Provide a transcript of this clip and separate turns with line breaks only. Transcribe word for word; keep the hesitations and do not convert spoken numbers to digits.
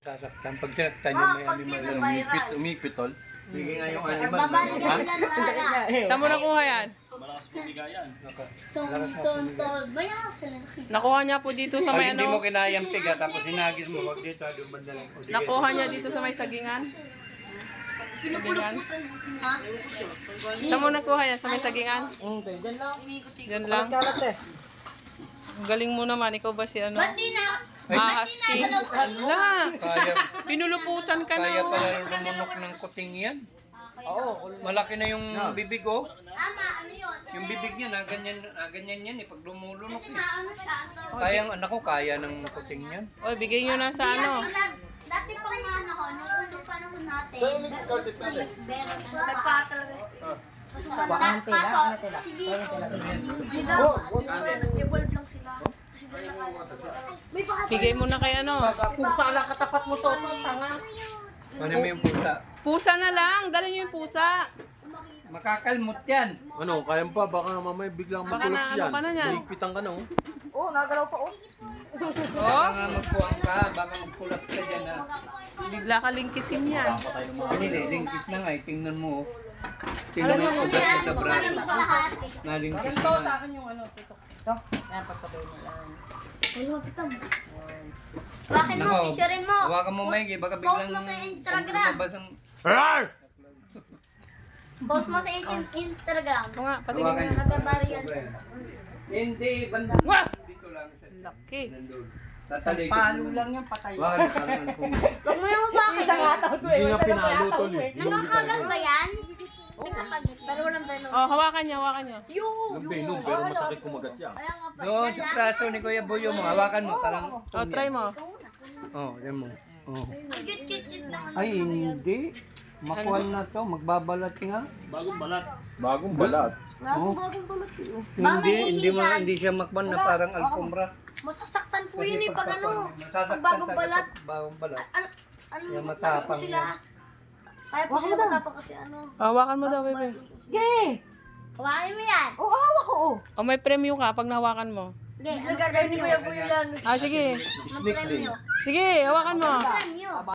Sasaktan. Pag sinaktan
Oh,
yung may
pag
animal
yun
na
ang viral.
umipit, umipitol, bigay nga yung animal.
Babalik
Ha?
sila ng wala.
Saan mo nakuha yan?
Malakas pumiga yan.
Tung, tung, tung. Bayaw sila.
Nakuha niya po dito sa
Pag
may
hindi mo
ano?
kinayang piga, tapos hinagis mo, wag dito, doon banda lang. O, di
Nakuha niya dito sa may sagingan? Sagingan?
Ha?
Saan mo nakuha yan? Sa may sagingan?
Okay, dyan lang.
Diyan lang.
Kalat eh.
Ang galing mo naman. Ikaw ba si ano?
Ba't di na?
Ah, husky. Ala!
Kaya,
Pinuluputan ka
kaya
na.
pala lumunok ng kuting yan.
Oo.
Malaki na yung bibig, oh.
Ama, ano yun?
Yung bibig niya, na ganyan, na ganyan yan eh, pag lumulunok
Kasi
eh.
na ano siya. ang tawag-
Kaya ang anak ko, kaya ng kuting yan.
Oy, bigay nyo na sa ano.
Dati pang ano ko, nung unang panahon natin, meron ano pa talaga.
Bakante lang, ano tila?
Si Jesus,
Oh,
evolve lang sila. Kasi doon nakala. May baka
Bigay mo na kay ano.
Pusa lang katapat mo to, tanga.
Ano mo yung pusa?
Pusa na lang. Dali nyo yung pusa.
Makakalmot yan.
Ano, kaya pa, baka mamaya biglang
Baka
magkulot
na ano
yan.
ka na yan.
Ligpitan ka na, oh.
Oh, nagalaw pa, oh.
Baka
Oh,
nga magpuwang ka, baka magpulat ka dyan ha.
bigla ka lingkisin yan.
Hindi, lingkis na nga eh, tingnan mo. oh. Tingnan mo yung ugat niya sa braso. Nalingkis
Ganito
na
sa
nga.
akin yung ano, tito. Ito, yan, pagpatuloy mo lang.
Bakit mo,
Nako,
picturein mo.
hawakan mo maigi, baka
Post
biglang
mo sa Instagram.
lumabas ang...
Post mo sa in- Instagram.
Oo nga, patingin
Hawakan
mo.
niyo.
Nagabari yan.
Hindi, banda.
Wah!
Dito lang siya.
Laki.
Nandun. Sasaligid
Palo
mo.
lang yan, patay.
Hawakan mo, parang pumili.
Huwag mo yung hawakan.
Isang ataw to eh.
Hindi nga
Wala
pinalo
ataw
tol
mo
eh.
Nakakagat ba yan? Nakakagat. Pero walang venom.
Oh, hawakan niya, hawakan niya.
Yo!
Yung venom, pero masakit kumagat yan.
Kaya nga pa.
Doon
Yan
sa
lang.
braso ni Kuya Buyo mo, hawakan mo, parang...
Oh, try mo.
Ikaw na.
Oh, yan mo. Oh.
Cute, cute, cute lang.
Ay, hindi. Makuha na to, magbabalat nga.
Bagong balat.
Bagong balat.
Oh.
Ba,
Hindi,
may
hindi mo,
hihilan.
hindi siya makban na parang alpombra.
Masasaktan po
Kasi
yun eh pag ano.
masasaktan
Pag bagong
ka
balat.
kapag bagong balat.
Ano, ano,
Yung matapang
sila.
yan.
Kaya po sila matapang kasi ano.
Oh, hawakan mo daw, bebe.
Sige!
Hawakan mo yan.
Oo, hawak ko, oh.
Oh, may premyo ka pag nahawakan mo.
Sige, ano premyo?
Ah, sige.
Ano premyo?
Sige, hawakan mo.
Premyo.